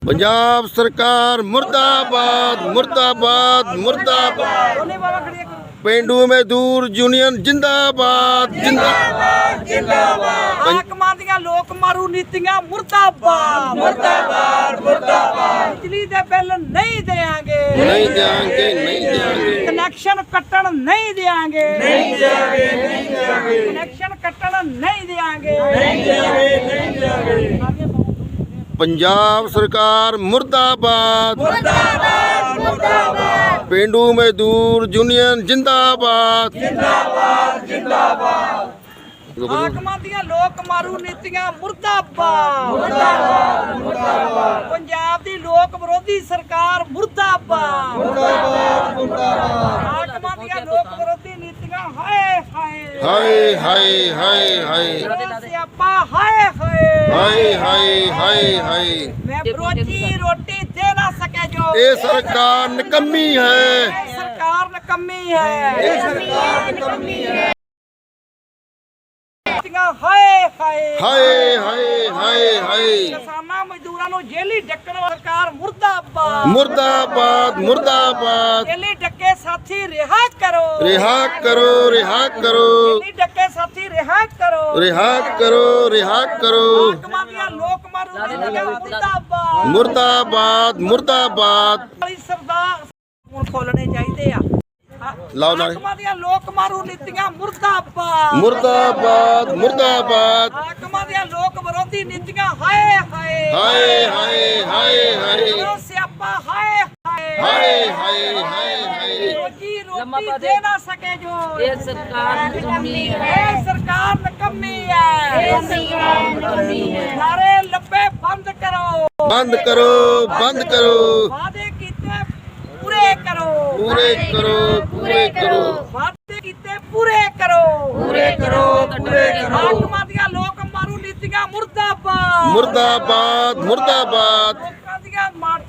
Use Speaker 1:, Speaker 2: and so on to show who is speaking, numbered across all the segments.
Speaker 1: पंजाब सरकार मुर्दाबाद मुर्दाबाद मुर्दाबाद। पेंडू मजदूर यूनियन जिंदाबाद जिंदाबाद जिंदाबाद।
Speaker 2: हाकमां दियां लोक मारू नीतियां मुर्दाबाद मुर्दाबाद मुर्दाबाद। बिजली दे बिल नहीं देंगे
Speaker 1: नहीं देंगे नहीं देंगे।
Speaker 2: कनेक्शन कट्टण नहीं देंगे
Speaker 1: नहीं देंगे नहीं देंगे।
Speaker 2: कनेक्शन कट्टण नहीं देंगे
Speaker 1: नहीं देंगे नहीं देंगे। पंजाब सरकार मुर्दाबाद
Speaker 2: मुर्दाबाद मुर्दाबाद।
Speaker 1: पेंडू मजदूर यूनियन जिंदाबाद
Speaker 2: जिंदाबाद जिंदाबाद। हाकमां दियां लोक मारू नीतियां मुर्दाबाद मुर्दाबाद मुर्दाबाद। पंजाब दी लोक विरोधी सरकार मुर्दाबाद मुर्दाबाद मुर्दाबाद। हाकमां दियां लोक विरोधी नीतियां हाय हाय
Speaker 1: हाय हाय हाय हाय
Speaker 2: सियापा हाय हाय
Speaker 1: हाय हाय हाय हाय।
Speaker 2: मैं रोजी रोटी दे ना सके जो
Speaker 1: ये सरकार निकम्मी है
Speaker 2: सरकार निकम्मी है
Speaker 1: ये सरकार निकम्मी है।
Speaker 2: हाय हाय
Speaker 1: हाय हाय हाय हाय।
Speaker 2: किसानां मजदूरां नूं जेली डक्कण सरकार मुर्दाबाद
Speaker 1: मुर्दाबाद मुर्दाबाद।
Speaker 2: जेली डक्के साथी रिहा करो
Speaker 1: रिहा करो रिहा करो
Speaker 2: जेली डक्के साथी रिहा करो
Speaker 1: रिहा करो रिहा करो।
Speaker 2: हाकमां दियां लोक मारू नीतियां मुर्दाबाद
Speaker 1: मुर्दाबाद मुर्दाबाद।
Speaker 2: वाली सरदार हुण खोलने चाहिए आ
Speaker 1: लाओ नारे।
Speaker 2: हाकमां दियां लोक मारू नीतियां मुर्दाबाद
Speaker 1: मुर्दाबाद मुर्दाबाद।
Speaker 2: हाकमां दियां लोक विरोधी नीतियां हाय हाय
Speaker 1: हाय हाय हाय हाय
Speaker 2: ओ सियापा हाय हाय
Speaker 1: हाय हाय हाय हाय।
Speaker 2: रोजी रोटी दे ना सके जो
Speaker 3: ये सरकार निकम्मी है
Speaker 2: ये सरकार निकम्मी है
Speaker 3: ये सरकार निकम्मी है।
Speaker 2: नारे लब्बे बंद करो
Speaker 1: बंद करो बंद करो।
Speaker 2: वादे कीते पूरे करो
Speaker 1: पूरे करो पूरे करो।
Speaker 2: वादे कीते पूरे करो
Speaker 3: पूरे करो पूरे करो।
Speaker 2: हाकमां दियां लोक मारू नीतियां मुर्दाबाद
Speaker 1: मुर्दाबाद मुर्दाबाद
Speaker 2: लोकां दियां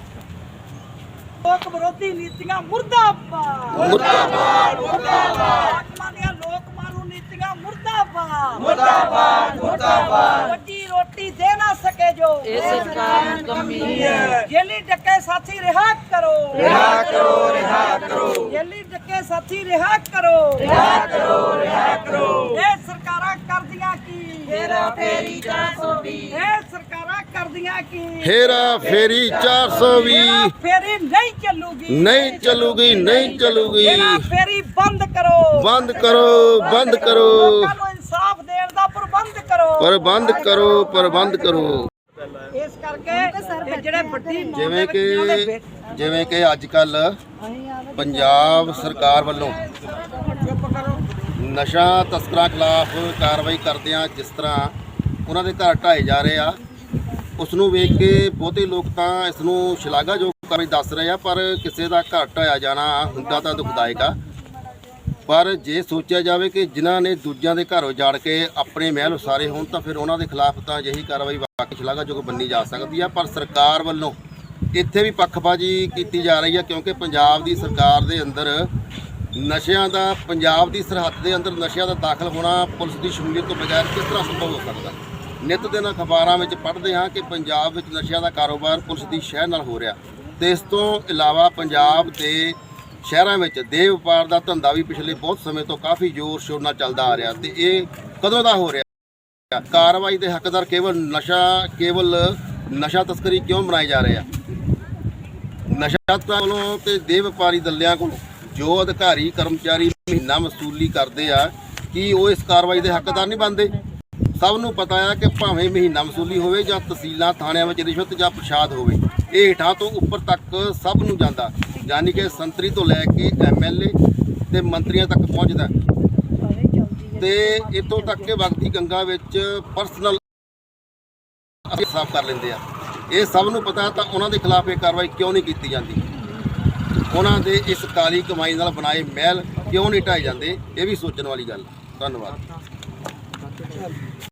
Speaker 2: लोक विरोधी नीतियां मुर्दाबाद
Speaker 1: मुर्दाबाद
Speaker 2: मुर्दाबाद। हाकमां दियां लोक मारू नीतियां मुर्दाबाद मुर्दाबाद मुर्दाबाद। रोजी रोटी दे ना सके जो
Speaker 3: ये सरकार निकम्मी है
Speaker 2: जेली डक्के साथी रिहा करो
Speaker 1: रिहा करो रिहा करो।
Speaker 2: जेली डक्के साथी रिहा करो
Speaker 1: रिहा करो रिहा करो।
Speaker 2: ਇਹ ਸਰਕਾਰਾਂ ਕਰਦੀਆਂ ਕੀ
Speaker 3: हेरा फेरी 420
Speaker 2: ਇਹ ਸਰਕਾਰਾਂ ਕਰਦੀਆਂ ਕੀ
Speaker 1: हेरा फेरी 420
Speaker 2: ਫੇਰੀ ਨਹੀਂ ਚੱਲੂਗੀ
Speaker 1: नहीं चलूगी नहीं चलूगी।
Speaker 2: हेरा फेरी बंद करो
Speaker 1: बंद करो बंद करो
Speaker 2: ਲੋਕਾਂ ਨੂੰ ਇਨਸਾਫ ਦੇਣ ਦਾ ਪ੍ਰਬੰਧ ਕਰੋ
Speaker 1: प्रबंध करो प्रबंध करो।
Speaker 2: ਇਸ ਕਰਕੇ ਇਹ ਜਿਹੜੇ ਵੱਡੀ
Speaker 1: ਜਿਵੇਂ ਕਿ ਅੱਜ ਕੱਲ ਪੰਜਾਬ ਸਰਕਾਰ ਵੱਲੋਂ ਨਸ਼ਾ ਤਸਕਰਾਂ ਖਿਲਾਫ ਕਾਰਵਾਈ ਕਰਦਿਆਂ ਜਿਸ ਤਰ੍ਹਾਂ ਉਹਨਾਂ ਦੇ ਘਰ ਢਾਏ ਜਾ ਰਹੇ ਆ, ਉਸ ਨੂੰ ਵੇਖ ਕੇ ਬਹੁਤੇ ਲੋਕ ਤਾਂ ਇਸ ਨੂੰ ਸ਼ਲਾਘਾਯੋਗ ਕਾਰਵਾਈ ਦੱਸ ਰਹੇ ਆ, ਪਰ ਕਿਸੇ ਦਾ ਘਰ ਢਾਇਆ ਜਾਣਾ ਹੁੰਦਾ ਤਾਂ ਦੁਖਦਾਇਕ ਆ। ਪਰ ਜੇ ਸੋਚਿਆ ਜਾਵੇ ਕਿ ਜਿਨ੍ਹਾਂ ਨੇ ਦੂਜਿਆਂ ਦੇ ਘਰ ਉਜਾੜ ਕੇ ਆਪਣੇ ਮਹਿਲ ਉਸਾਰੇ ਹੋਣ ਤਾਂ ਫਿਰ ਉਹਨਾਂ ਦੇ ਖਿਲਾਫ ਤਾਂ ਅਜਿਹੀ ਕਾਰਵਾਈ ਵਾਕਈ ਸ਼ਲਾਘਾਯੋਗ ਮੰਨੀ ਜਾ ਸਕਦੀ ਆ। ਪਰ ਸਰਕਾਰ ਵੱਲੋਂ ਇੱਥੇ ਵੀ ਪੱਖਪਾਤੀ ਕੀਤੀ ਜਾ ਰਹੀ ਆ, ਕਿਉਂਕਿ ਪੰਜਾਬ ਦੀ ਸਰਕਾਰ ਦੇ ਅੰਦਰ ਨਸ਼ਿਆਂ ਦਾ ਪੰਜਾਬ ਦੀ ਸਰਹੱਦ ਦੇ ਅੰਦਰ ਨਸ਼ਿਆਂ ਦਾ ਦਾਖਲ ਹੋਣਾ ਪੁਲਿਸ ਦੀ ਸ਼ਮੂਲੀਅਤ ਤੋਂ ਬਗੈਰ ਕਿਸ ਤਰ੍ਹਾਂ ਸੰਭਵ ਹੋ ਸਕਦਾ। ਨਿੱਤ ਦਿਨ ਅਖਬਾਰਾਂ ਵਿੱਚ ਪੜ੍ਹਦੇ ਹਾਂ ਕਿ ਪੰਜਾਬ ਵਿੱਚ ਨਸ਼ਿਆਂ ਦਾ ਕਾਰੋਬਾਰ ਪੁਲਿਸ ਦੀ ਸ਼ਹਿ ਨਾਲ ਹੋ ਰਿਹਾ, ਤੇ ਇਸ ਤੋਂ ਇਲਾਵਾ ਪੰਜਾਬ ਦੇ ਸ਼ਹਿਰਾਂ ਵਿੱਚ ਦੇਹ ਵਪਾਰ ਦਾ ਧੰਦਾ ਵੀ ਪਿਛਲੇ ਬਹੁਤ ਸਮੇਂ ਤੋਂ ਕਾਫੀ ਜ਼ੋਰ ਸ਼ੋਰ ਨਾਲ ਚੱਲਦਾ ਆ ਰਿਹਾ, ਤੇ ਇਹ ਕਦੋਂ ਦਾ ਹੋ ਰਿਹਾ। ਕਾਰਵਾਈ ਦੇ ਹੱਕਦਾਰ ਕੇਵਲ ਨਸ਼ਾ ਤਸਕਰੀ ਕਿਉਂ ਬਣਾਏ ਜਾ ਰਹੇ ਆ। ਨਸ਼ਾ ਵੱਲੋਂ ਤੇ ਦੇਹ ਵਪਾਰੀ ਦਲਿਆਂ ਕੋਲ ਜੋ ਅਧਿਕਾਰੀ ਕਰਮਚਾਰੀ ਮਹੀਨਾ ਵਸੂਲੀ ਕਰਦੇ ਆ, ਕੀ ਉਹ ਇਸ ਕਾਰਵਾਈ ਦੇ ਹੱਕਦਾਰ ਨਹੀਂ ਬਣਦੇ। ਸਭ ਨੂੰ ਪਤਾ ਆ ਕਿ ਭਾਵੇਂ ਮਹੀਨਾ ਵਸੂਲੀ ਹੋਵੇ ਜਾਂ ਤਹਿਸੀਲਾਂ ਥਾਣਿਆਂ ਵਿੱਚ ਰਿਸ਼ਵਤ ਜਾਂ ਪ੍ਰਸ਼ਾਦ ਹੋਵੇ, ਇਹ ਹੇਠਾਂ ਤੋਂ ਉੱਪਰ ਤੱਕ ਸਭ ਨੂੰ ਜਾਂਦਾ, ਯਾਨੀ ਕਿ ਸੰਤਰੀ ਤੋਂ ਲੈ ਕੇ MLA ਤੇ ਮੰਤਰੀਆਂ ਤੱਕ ਪਹੁੰਚਦਾ, ਤੇ ਇੱਥੋਂ ਤੱਕ ਕਿ ਵਕਤੀ ਗੰਗਾ ਵਿੱਚ ਪਰਸਨਲ ਸਾਫ਼ ਕਰ ਲੈਂਦੇ ਆ। ਇਹ ਸਭ ਨੂੰ ਪਤਾ, ਤਾਂ ਉਹਨਾਂ ਦੇ ਖਿਲਾਫ ਇਹ ਕਾਰਵਾਈ ਕਿਉਂ ਨਹੀਂ ਕੀਤੀ ਜਾਂਦੀ। ਉਹਨਾਂ ਦੇ ਇਸ ਕਾਲੀ ਕਮਾਈ ਨਾਲ ਬਣਾਏ ਮਹਿਲ ਕਿਉਂ ਨਹੀਂ ਢਾਏ ਜਾਂਦੇ, ਇਹ ਵੀ ਸੋਚਣ ਵਾਲੀ ਗੱਲ। ਧੰਨਵਾਦ।